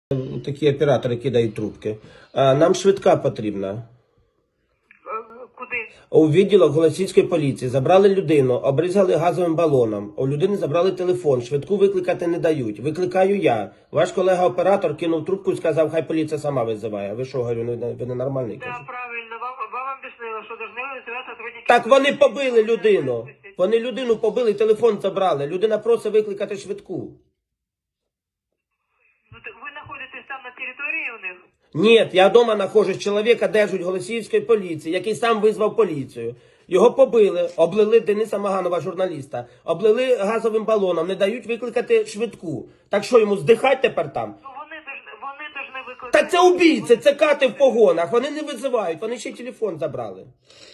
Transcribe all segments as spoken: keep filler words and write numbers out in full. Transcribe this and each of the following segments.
Такі оператори кидають трубки. А, нам швидка потрібна. Куди? У відділок Голосіївської поліції забрали людину, обрізали газовим балоном. У людини забрали телефон, швидку викликати не дають. Викликаю я. Ваш колега-оператор кинув трубку і сказав, хай поліція сама визиває. Ви що, говорю, ви ненормальний? Так, да, правильно. Вам, вам об'яснили, що должны визивати сотрудники. Так вони побили людину. Вони людину побили, телефон забрали. Людина просить викликати швидку. Ну, ви знаходитесь там на території у них? Ні, я вдома знаходжусь, чоловіка держать Голосіївської поліції, який сам визвав поліцію. Його побили, облили Дениса Маганова, журналіста, облили газовим балоном, не дають викликати швидку. Так що, йому здихать тепер там? Ну, вони должны, вони должны викликати. Та це убійці, це кати в погонах, вони не визивають, вони ще й телефон забрали.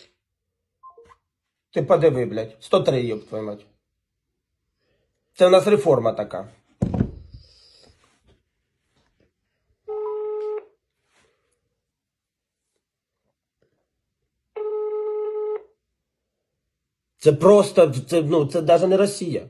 Ти подиви, блядь, сто три, ёб твою мать. Це у нас реформа така. Це просто, це, ну, це навіть не Росія.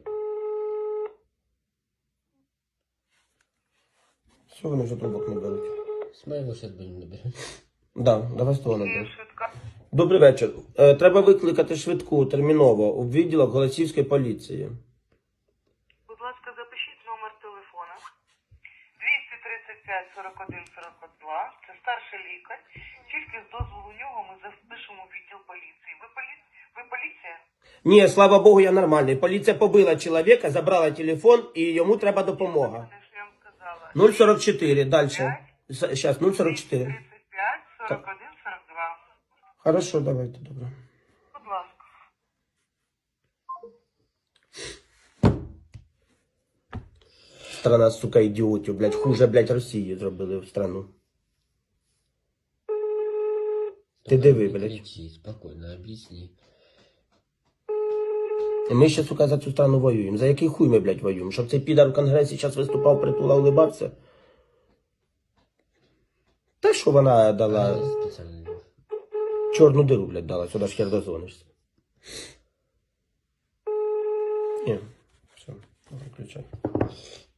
Що вони вже трубок не беруть? С моего сейчас будем набирать. Да, давай з того наберемо. Швидка. Добрий вечір. Е, треба викликати швидку терміново у відділок Голосіївської поліції. Будь ласка, запишіть номер телефона. двісті тридцять п'ять сорок один сорок два. Це старший лікар. Тільки з дозволу нього ми запишемо в відділ поліції. Ви, полі... Ви поліція? Ні, слава Богу, я нормальний. Поліція побила чоловіка, забрала телефон і йому треба допомога. Це ж я вам сказала. нуль сорок чотири, далі. Зараз, нуль сорок чотири. тридцять п'ять сорок один сорок два. Хорошо, давайте, добре. Будь ласка. Страна, сука, ідіотів, блядь, хуже, блядь, Росії зробили в страну. Ти диви, блядь. Кричи, спокойно, объясни. І ми ще, сука, за цю страну воюємо. За який хуй ми, блядь, воюємо? Щоб цей підар в Конгресі зараз виступав, притула, улибався? Та що вона дала? А, специально. Чорну диру, блядь, дала, сюди ж хер дозвонишся. Ні, все, виключай.